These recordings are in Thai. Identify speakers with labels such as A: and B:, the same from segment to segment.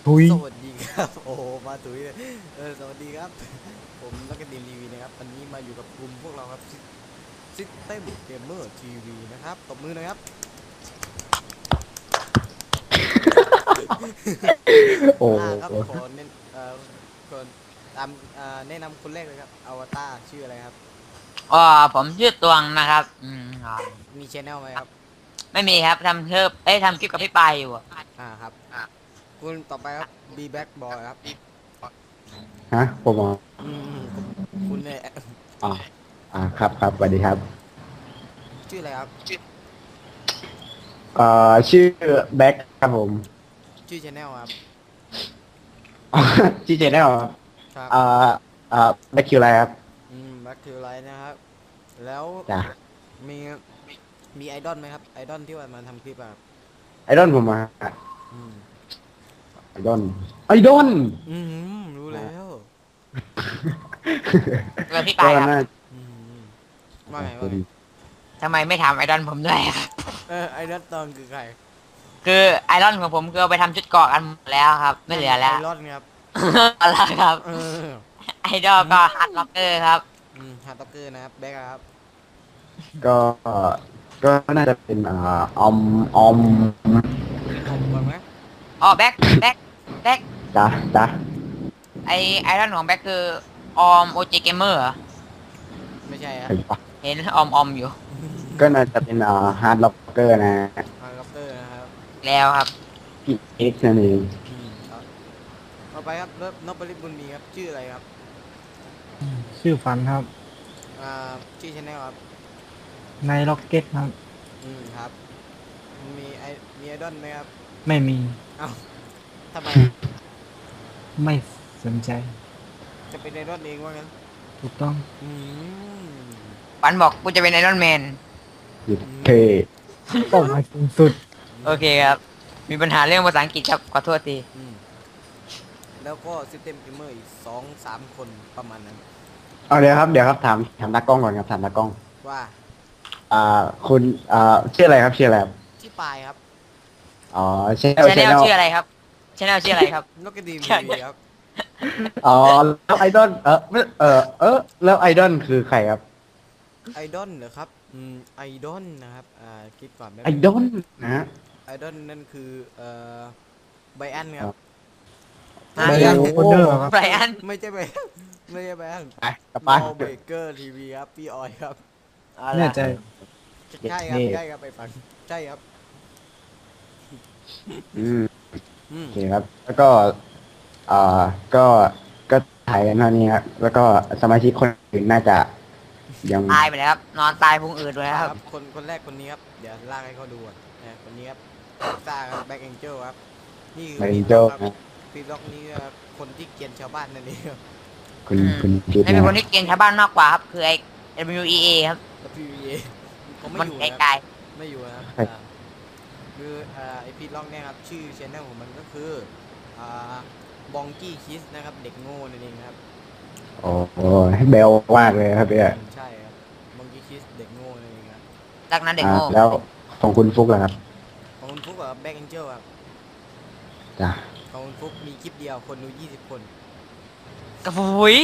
A: ทุย
B: สวัสดีครับโอ้โหมาถุยเลยสวัสดีครับผมนักเรียนทีวีนะครับวันนี้มาอยู่กับกลุ่มพวกเราครับซิสเต็มเกมเมอร์ทีวีนะครับตบมือหนะครับ
A: โอ้
B: ครับ
A: โห
B: ขอเน้นคนตามแนะนำคนแรกเลยครับอวตารชื่ออะไรครับ
C: อ๋อผมชื่อตวงนะครับ
B: มีชแนลไหมครับ
C: ไม่มีครับทำเพิ่มทำคลิปกับพี่ปายอยู่อะ
B: ครับคุณต่อไปครับบีแบ็กบอยครับ
A: ฮะผมอ๋อ
B: คุณเนี่ย
A: อ่าครับครับสวัสดีครับ
B: ชื่ออะไรครับ
A: ชื่อแบ็คครับผม
B: ชื่อชแนลครับ
A: ชื่อเจนได้หรอ
B: ครับ
A: อ่าแบ็คคิวอะไรครับ
B: แบ็คคืออะไรนะครับแล้ว
A: จ้ะ
B: มีมีไอดอลไหมครับไอดอลที่ว่ามาทำคลิปอะครับ
A: ไอดอลผมมา
B: อืม
A: ไอดอลไอดอล
B: รู้แล้ว
C: แล้วพี่
A: ก็
C: ปายครับ
A: น่า
B: อืมว่าไง
C: ทำไมไม่ทำไอดอลผมด้วยครับ
B: ไอ้นัทตองคือใคร
C: คือไอดอลของผมคือเอาไปทำชุดเกราะกันหมดแล้วครับไม่เหลือ
B: ไอ
C: แล้ว
B: รอนครับ
C: อะไรครับ
B: เออ
C: ไอดอลก็ฮาร์ดล็อกเกอร์ครับ
B: ฮาร์ดต็อกเกอร์นะครับแบ็คครับ
A: ก็ก็น่าจะเป็นออมออม
B: ผมก่อนไหม
C: อ๋อแบ็ค
A: จ้ะจ้ะ
C: ไอดอลของแบ็คคือออมโอเจเกมเมอร์
B: ไม่ใช่ครับ
A: เห็นปะ
C: เห็นออมอยู่
A: ก็น่าจะเป็นฮาร์ดล็อกเกอร์นะ
B: ฮาร์ดต็อกเกอร์นะครับ
C: แล้วครับ
A: พี่เอ็กซ์นั่นเอง
B: ครับต่อไปครับนพบริบุญมีครับชื่ออะไรครับ
D: ชื่อฝันครับ
B: อ่าชื่อชแนลครับ
D: ในล็อกเก็ตครับ
B: ครับมีไอมีไอดอลไหมครับ
D: ไม่มี
B: เอ้าทำไมอะ
D: ไม่สนใจ
B: จะเป็นไอดอลเองว่างั้น
D: ถูกต้อง
B: อืม
C: ฝันบอกกูจะเป็นไอรอนแมน
A: หยุด
B: อื
A: เท
B: ม
D: เป้าหมายสูงสุด
C: โอเคครับมีปัญหาเรื่องภาษาอังกฤษครับขอโทษที
B: อืม แล้วก็ซิสเต็มเกมเมอร์อีก2-3 คนประมาณนั้น
A: เอาเดี๋ยวครับถามตากล้องก่อนครับถามตากล้อง
B: ว่า
A: คุณชื่ออะไรครับชื่ออะไรครับ
B: ที่ปลายครับ
A: อ๋อชแนล
C: ชาแนลชื่ออะไรครับชาแนลชื่ออะไรครับ
B: นกกระดีมทีวีครับ
A: อ๋อแล้วไอดอลแล้วไอดอลคือใครครับ
B: ไอดอลเหรอครับไอดอลนะครับคิดก่อนแป๊บ
A: ไอ
B: นึง
A: ดอลนะฮะ
B: ไอดอลนั่นคือไบอันครับ
C: ฮะ
D: ไบรอันโคเดอร์ครับ
C: ไบรอัน
B: ไม่ใช่ไบอันไม่ใช่ไบอัน
A: ไปกลับไป
B: ลอเบเกอร์ทีวีครับพี่ออยครับ
C: เอา
D: แน่
C: ล่ะ
D: ใจ
B: ใช่ครับใช่ครับไปฟังใช่ครับ
A: อืม
B: อืม
A: โอเคครับ แล้วก็อ่าก็ก็ถ่ายกันเท่านี้ครับแล้วก็สมาชิกคนอื่นน่าจะยัง
C: ตายไปแล้วครับนอนตายพุงอืดเลยครับ
B: คนแรกคนนี้ครับเดี๋ยวลากให้เขาดูก่อนคนนี้ครับซ่าครับแบ็กแองเจิลครับนี่คือ
A: ไม่
B: พี
A: โจ
B: ล็อกครับ
A: กนะ
B: พีล็อกนี่ก็คนที่เกลียนชาวบ้านนั่นเองครับ
A: คุณคิด
C: ไม่เป็นคน
A: นะ
C: ที่เกณฑ์ชาวบ้านมากกว่าครับคือไอ้ WEA ครับ
B: แล้ว PVA เขาไม่
C: มัน
B: อยู่
C: ไก
B: นะครับ
C: ล
B: ไม่อยู่นะครับคือไอพีล็อกเนี่ยครับชื่อชแนลของมันก็คืออ่าบองกี้คิสนะครับเด็กโง่นั่นเองครับ
A: โอ้โหเบลมากเลยครับเนี่ย
B: ใช่ครับบองกี้คิสเด็กโง่นั่นเองครับ
C: ๆดักนั้นเด็กโง่
A: แล้วของคุณฟุกล่ะครับ
B: ของคุณฟุกกับแบ็กแองเจิลครับ
A: จ้ะ
B: ของคุณฟุกมีคลิปเดียวคนดู20 คน
C: กระฟุย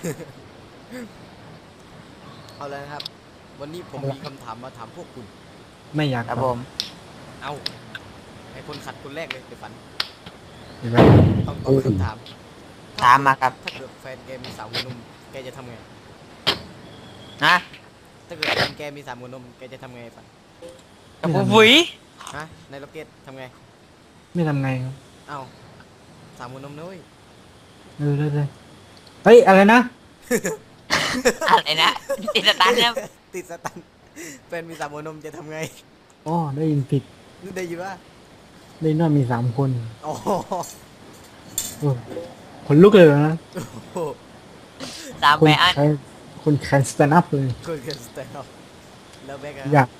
B: เอาเลยนะครับวันนี้ผมมีคำถามมาถามพวกคุณ
D: ไม่อยาก
C: ครับ
D: ต
C: ผ
D: อบ
C: ม
B: เอาไอคนขัดคนแรกเลยเดี๋ยวฝัน
D: เห็นไหม
B: ต้องตอบคำถาม
C: ถามมาครับ
B: ถ้าเกิดแฟนแกมีสาวหัวนมแกจะทำไง
C: นะ
B: ถ้าเกิดแฟนแกมีสามหัวนมแกจะทำไงฝัน
C: กระฟุย
B: ฮะในล็อกเก็ตทำไง
D: ไม่ทำไงครับ
B: เอาสามหัวนมนุ้ย
D: เลยเฮ้ยอะไรนะ
C: อะไรนะติดสตันครับ
B: ติดสตันแฟนมีสามหัวนมจะทำไง
D: อ๋อได้ยินผิด
B: นึกได้ยินว่า
D: ได้ยินว่ามี3 คน
B: อ๋อ
D: โอ้ขนลุกเลยนะ
B: โห
C: สาม
D: คุ
C: ไป
D: ณ
C: อัน
D: ใครคุณแคนสแตนด์อัพเลย
B: คนเกินสเตลแล้วแบ็กอะ
D: อยาก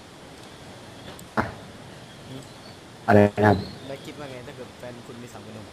A: อะไรนะครับ
B: แบ็กคิดว่าไงถ้าเกิดแฟนคุณมีสามหัวนม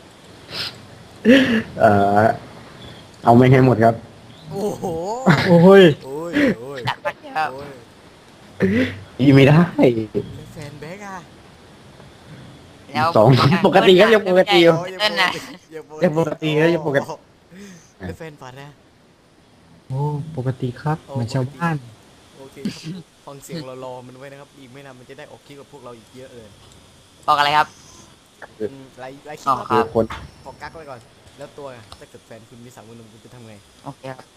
A: เอ่อเอาไม่ให้หมดครับ
B: โอ้โห
D: โอ้ย
B: โอ้ยโอ้ย
C: ดักมันครับ
B: โอ้ย
A: อีไม่ได้
B: แล้วแฟนแบ็กอะ
C: ยแล้ว
A: สองปกติครับยังปกติอยู่
B: โอ้ย
C: เต้นนะ
A: ยังปกติครับยังปกติ
B: เป็นแฟนฝันนะ
D: โอ้ปกติครับ
B: โอ้
D: เหมือนชาวบ้าน
B: โอเคครับฟังเสียงรอๆมันไว้นะครับ อีกไม่นานมันจะได้ออกคลิปกับพวกเราอีกเยอะเลย
C: บอกอะไรครับ
B: ไลค์คลิ
C: อ๋
B: ป
C: อ
B: ค
C: ครั
B: รับ
C: บ
A: คน
B: ขอกักไว้ก่อน แล้วตัวถ้าเกิดแฟนคุณมี3 คนคุณจะทำไง
C: โอเคครับ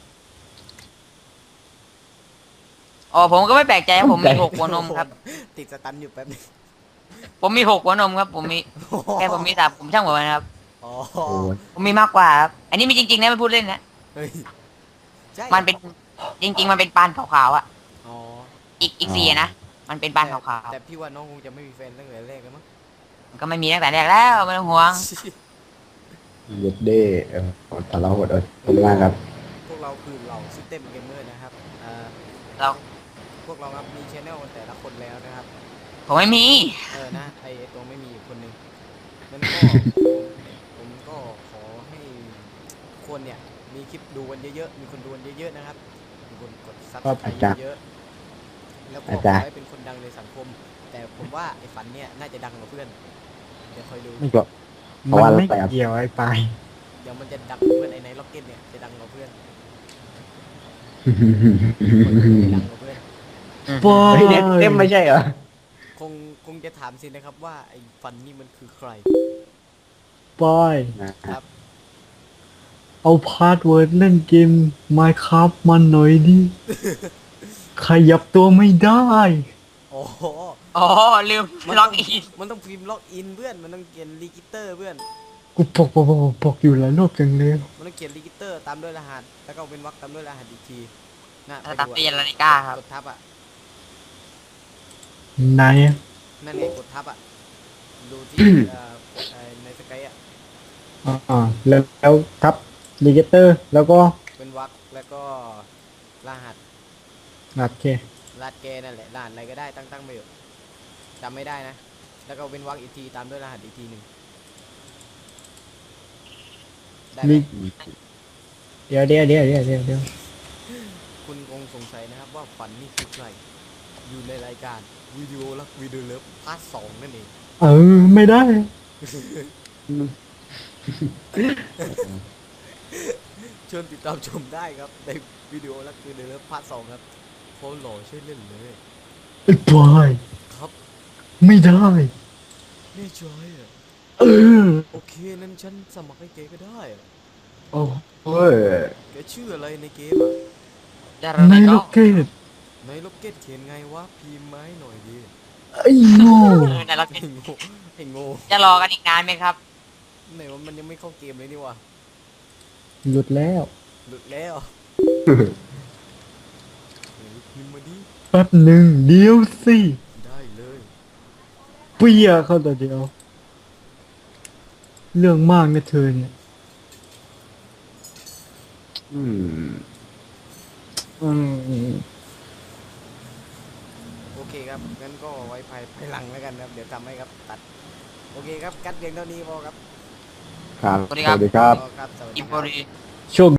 C: อ๋อผมก็ไม่แปลกใจครับผมมี6 หัวนมครับ
B: ติดสตันอยู่แป๊บนึง
C: ผมมี6 หัวนมครับ ผมมีแค่ผมมี3ผมช่างหัวมันครับ
B: อ๋อ
A: โอ้ย
C: ผมมีมากกว่าครับ อันนี้มีจริงๆนะไม่พูดเล่นนะ
B: เฮ้ยใช่
C: มันเป็นจริง ๆ มันเป็นปานขาวๆอ่ะ
B: อ๋อ
C: อีก4นะ มันเป็นปานขาว
B: แต่พี่ว่าน้องคงจะไม่มีแฟนตั้งแต่แรกแล้วมั้ง
C: ๆมันก็ไม่มีตั้งแต่แรกแล้วไม่ต้องห่วง
A: เย็ดเด้แต่เราหดผมมากครับ
B: พวกเราคือเหล่าซิสเต็มเกมเมอร์นะครับ
C: เรา
B: พวกเราครับมีชแนลแต่ละคนแล้วนะครับ
C: ผมไม่มี
B: นะไอตัวไม่มีอยู่คนหนึ่งนั่นก็ ผมก็ขอให้คนเนี่ยมีคลิปดูกันเยอะๆมีคนดูกันเยอะๆนะครับมีคนกดซับสไครต์เยอะๆแล้วก็ขอให้เป็นคนดังในสังคม แต่ผมว่าไอ้ฝันเนี่ยน่าจะดังกว่าเพื่อนเดี๋ยวคอยดู
A: ไม่ก็ เพ
D: มั
A: ราะ
D: น
A: ว่าอะไร
D: ไม่
A: ครับ
D: เกี่ยวไอ้ปลาย
B: เดี๋ยวมันจะดังกว่าเพื่อนไอ้ในล็อกเก็ตเนี่ยจะดังกว่าเพื่อนดังกว่าเพื่อน
D: ปอ
A: เฮ้ยเน็ตเต็มไม่ใช่เหรอ
B: คงจะถามสินะครับว่าไอ้ฟันนี่มันคือใคร
D: ปอย
B: ครับ
D: เอาพาสเวิร์ดเล่นเกม Minecraft มันหน่อยดิ ขยับตัวไม่ได้
B: อ๋อ
C: อ๋อลืมล็อกอิน
B: มันต้องพิมพ์ล็อกอินเพื่อน มันต้องเขียนรีกิเตอร์เพื่อน
D: กูปกอยู่หลายรอบจังเลย
B: มันต้องเขียนรีกิเตอร์ตามด้วยรหัส แล้วก็เป็นวรรคตามด้วยรหัสอีกทีน่ะไป
C: ตัด
B: ดู
C: เปลี่ยนนาฬิกาครับ
B: กดทับอ่ะ
D: ไหนอะ
B: นั่นไงกดทับอ่ะ ดูที่ ในสกายอ่ะ
D: อ่าแล้วทับรีเกเตอร์ แล้วก็
B: เป็นวรรคแล้วก็รหัส
D: โอเค
B: รหัสแกนั่นแหละรหัสอะไรก็ได้ตั้งไปอยู่จำไม่ได้นะ แล้วก็เป็นวรรคอีกทีตามด้วยรหัสอีกทีหนึ่งได้ไหม
D: มีเดี๋ยว
B: คุณคงสงสัยนะครับว่าฝันนี่คือใคร อยู่ในรายการวิดีโอรักวิดีโอเลิฟพาร์ท 2นั่นเอง
D: ไม่ได้
B: เชิญติดตามชมได้ครับ ในวิดีโอรักวิดีโอเลิฟพาร์ท 2ครับโคตรหล่อช่วยเล่นเลย
D: ไอ้ปอย
B: ครับ
D: ไม่ได้
B: แน่ใจอ่ะ
D: เออ
B: โอเคนั้นฉันสมัครให้เกก็ได้อะ
D: โอ้
A: เฮ้ย
B: แกชื่ออะไรในเกมอ่ะ
C: จะ
D: ใน
C: ไม่
D: โล
C: ต้อง
D: เกต
B: ในล็อกเก็ตเขียนไงวะพิมพ์มาให้หน่อยดิ
D: ไอ้โง่
C: ในล็อก
B: ไอ้โง่ไอ้โง่
C: จะรอกันอีกนานไหมครับ
B: ไหนว่ามันยังไม่เข้าเกมเลยนี่วะ
D: หลุดแล้ว
B: หลุดแล้วเฮ้ยพิมพ์มาดิ
D: แป๊บหนึ่งเดี๋ยวสิ
B: ได้เลย
D: เปียเข้าแต่เดียว เรื่องมากนะเธอเนี่ย
A: อืม
D: อืม
B: โอเคครับงั้นก็ไว้ภายหลังแล้วกันครับเดี๋ยวทำให้ครับตัดโอเคครับกัดเพียงเท่านี้พอครับ
A: ครับ
C: สวัสดีครับ
A: สวัสดีครับ
B: พอครับสวัสดี
C: อิม
B: ค
C: โพ
B: รับ
C: รี
D: โชค